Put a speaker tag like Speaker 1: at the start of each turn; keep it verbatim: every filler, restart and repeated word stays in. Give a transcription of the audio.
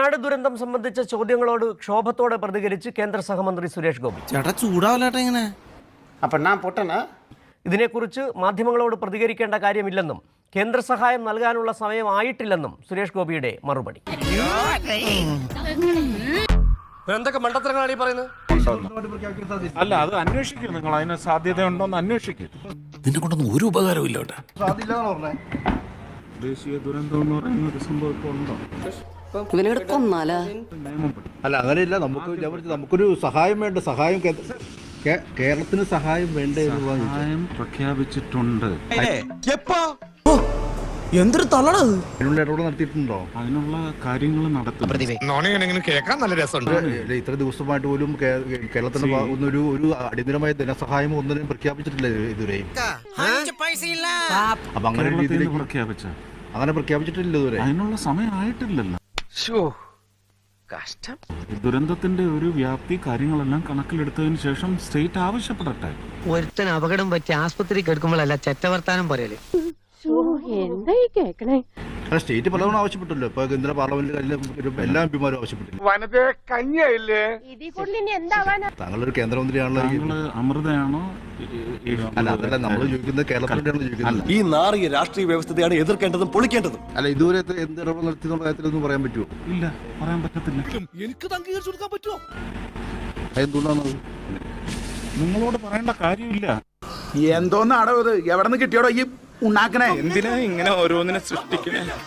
Speaker 1: വയനാട് ദുരന്തം സംബന്ധിച്ച ചോദ്യങ്ങളോട് ക്ഷോഭത്തോടെ പ്രതികരിച്ച് കേന്ദ്ര സഹമന്ത്രി സുരേഷ് ഗോപി.
Speaker 2: ചേട്ടാ ചൂടാവല്ലേട്ടാ ഇങ്ങനെ.
Speaker 3: അപ്പം ഞാൻ പൊട്ടനാ?
Speaker 1: ഇതിനെക്കുറിച്ച് മാധ്യമങ്ങളോട് പ്രതികരിക്കേണ്ട കാര്യമില്ലെന്നും കേന്ദ്ര സഹായം നൽകാനുള്ള സമയമായിട്ടില്ലെന്നും സുരേഷ് ഗോപിയുടെ മറുപടി.
Speaker 4: എന്തൊക്കെ മണ്ടത്തരങ്ങളാണ് ഈ പറയുന്നത്?
Speaker 5: അല്ല, അത് അന്വേഷിക്കും. നിങ്ങൾ അതിന് സാധ്യതയുണ്ടോന്ന് അന്വേഷിക്കും.
Speaker 2: നിന്നെ കൊണ്ടൊന്നും ഒരു ഉപകാരവും ഇല്ല കേട്ടാ.
Speaker 5: ദേശീയ ദുരന്തം എന്ന് പറയുന്ന ഒരു സംഭവം ഇപ്പോൾ ഉണ്ടോ?
Speaker 6: അല്ല, അങ്ങനെയില്ല. നമുക്ക് നമുക്കൊരു സഹായം വേണ്ട. സഹായം കേരളത്തിന് സഹായം വേണ്ടേ?
Speaker 5: സഹായം പ്രഖ്യാപിച്ചിട്ടുണ്ട്.
Speaker 2: എന്തൊരു തള്ളണത്.
Speaker 6: അതിനുള്ള ഇടപെടൽ നടത്തിയിട്ടുണ്ടോ?
Speaker 5: അതിനുള്ള കാര്യങ്ങൾ നടത്തും.
Speaker 4: കേൾക്കാൻ നല്ല രസമുണ്ട്.
Speaker 6: ഇത്ര ദിവസമായിട്ട് പോലും കേരളത്തിന്റെ ഒന്നൊരു ഒരു അടിയന്തരമായ ധനസഹായം ഒന്നിനും പ്രഖ്യാപിച്ചിട്ടില്ല ഇതുവരെയും. അപ്പൊ അങ്ങനെ രീതിയിൽ
Speaker 5: പ്രഖ്യാപിച്ച
Speaker 6: അങ്ങനെ പ്രഖ്യാപിച്ചിട്ടില്ല ഇതുവരെ.
Speaker 5: അതിനുള്ള സമയം ആയിട്ടില്ലല്ലോ. ദുരന്തത്തിന്റെ ഒരു വ്യാപ്തി കാര്യങ്ങളെല്ലാം കണക്കിലെടുത്തതിന് ശേഷം സ്റ്റേറ്റ് ആവശ്യപ്പെടട്ടെ.
Speaker 7: ഒരുത്തൻ അപകടം പറ്റി ആസ്പത്രിക്ക് എടുക്കുമ്പോഴല്ല ചെറ്റവർത്താനം പറയല്.
Speaker 6: അല്ല, സ്റ്റേറ്റ് പലതവണ ആവശ്യപ്പെട്ടല്ലോ. ഇപ്പൊ കേന്ദ്ര പാർലമെന്റിൽ എല്ലാ എം പിമാരും ആവശ്യപ്പെട്ടില്ല. താങ്കളൊരു കേന്ദ്രമന്ത്രിയാണല്ലോ.
Speaker 5: താങ്കള് അമൃതയാണോ?
Speaker 6: അല്ല, അതല്ല നമ്മൾ ചോദിക്കുന്നത് കേരളത്തിലാണ് ചോദിക്കുന്നത്.
Speaker 8: ഈ നാറിയ രാഷ്ട്രീയ വ്യവസ്ഥയാണ് എതിർക്കേണ്ടതും പൊളിക്കേണ്ടതും.
Speaker 6: അല്ല, ഇതുവരെ എന്ത് ഇടപെടൽ നടത്തിയെന്നുള്ള കാര്യത്തിലൊന്നും പറയാൻ പറ്റുമോ?
Speaker 5: ഇല്ല, പറയാൻ പറ്റത്തില്ല.
Speaker 8: എനിക്ക് അംഗീകരിച്ചു കൊടുക്കാൻ പറ്റുമോ?
Speaker 6: അതെന്തുകൊണ്ടാണത്?
Speaker 5: നിങ്ങളോട് പറയേണ്ട കാര്യമില്ല.
Speaker 9: എന്തോന്നാടോ ഇത്? എവിടെ നിന്ന് കിട്ടിയോടോ ഈ ഉണ്ടാക്കണേ?
Speaker 5: എന്തിനാ ഇങ്ങനെ ഓരോന്നിനെ സൃഷ്ടിക്കണേ?